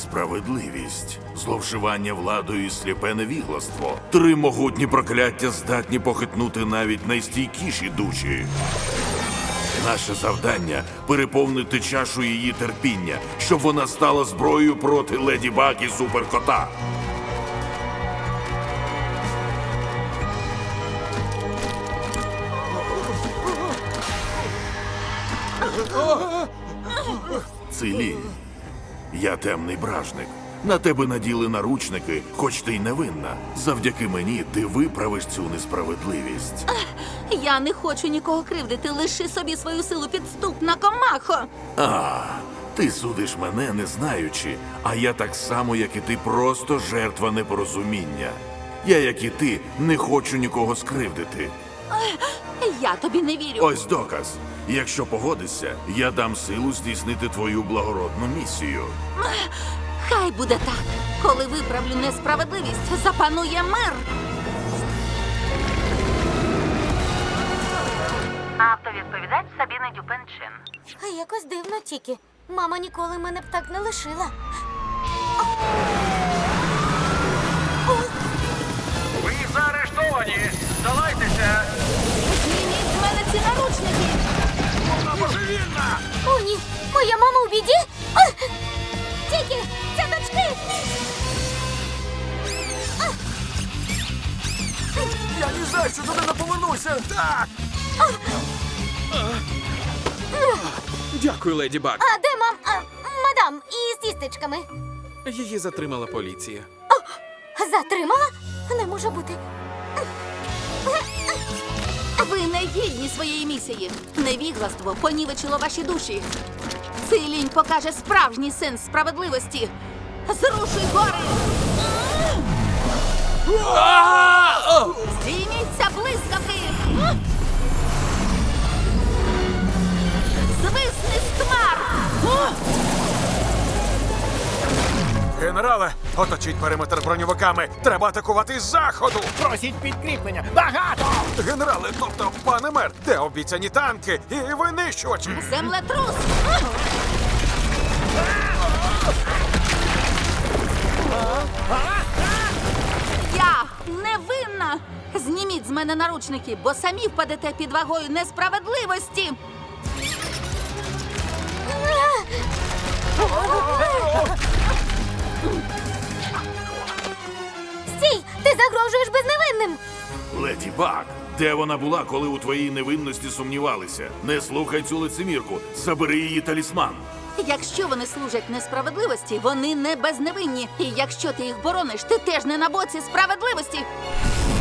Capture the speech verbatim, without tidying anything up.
несправедливість, зловживання владою і сліпе невігластво. Три могутні прокляття здатні похитнути навіть найстійкіші душі. Наше завдання – переповнити чашу її терпіння, щоб вона стала зброєю проти Леді Баг і Суперкота. Цилінь. Я темний бражник. На тебе наділи наручники, хоч ти й невинна. Завдяки мені ти виправиш цю несправедливість. Я не хочу нікого кривдити, лиши собі свою силу, підступна комахо. А, ти судиш мене, не знаючи, а я так само, як і ти, просто жертва непорозуміння. Я, як і ти, не хочу нікого скривдити. Я тобі не вірю. Ось доказ. Якщо погодишся, я дам силу здійснити твою благородну місію. Хай буде так. Коли виправлю несправедливість, запанує мир. Автовідповідач Сабіна Дюпенчин. А якось дивно тільки. Мама ніколи мене б так не лишила. Ви заарештовані! Здавайтеся! Зніміть з мене ці наручники. Вона божевільна! О, ні! Моя мама у біді! А! Тільки! Це дочки! Я ні за що туди не повернуся! Так! Дякую, леді Баг. А де мам? А, мадам, із тістечками. Її затримала поліція. Затримала? Не може бути. Ви не гідні своєї місії. Невігластво понівечило ваші душі. Цей лінь покаже справжній сенс справедливості. Зрушуй гори! Здійміться блискавки! Звисни з хмар! Генерале, оточіть периметр броньовиками! Треба атакувати з заходу! Просіть підкріплення! Багато! Генерале, тобто, пане мер, де обіцяні танки і винищувачі? Землетрус! Я невинна! Зніміть з мене наручники, бо самі впадете під вагою несправедливості! Стій! Ти загрожуєш безневинним! Леді Баг, де вона була, коли у твоїй невинності сумнівалися? Не слухай цю лицемірку, забери її талісман. Якщо вони служать несправедливості, вони не безневинні. І якщо ти їх борониш, ти теж не на боці справедливості.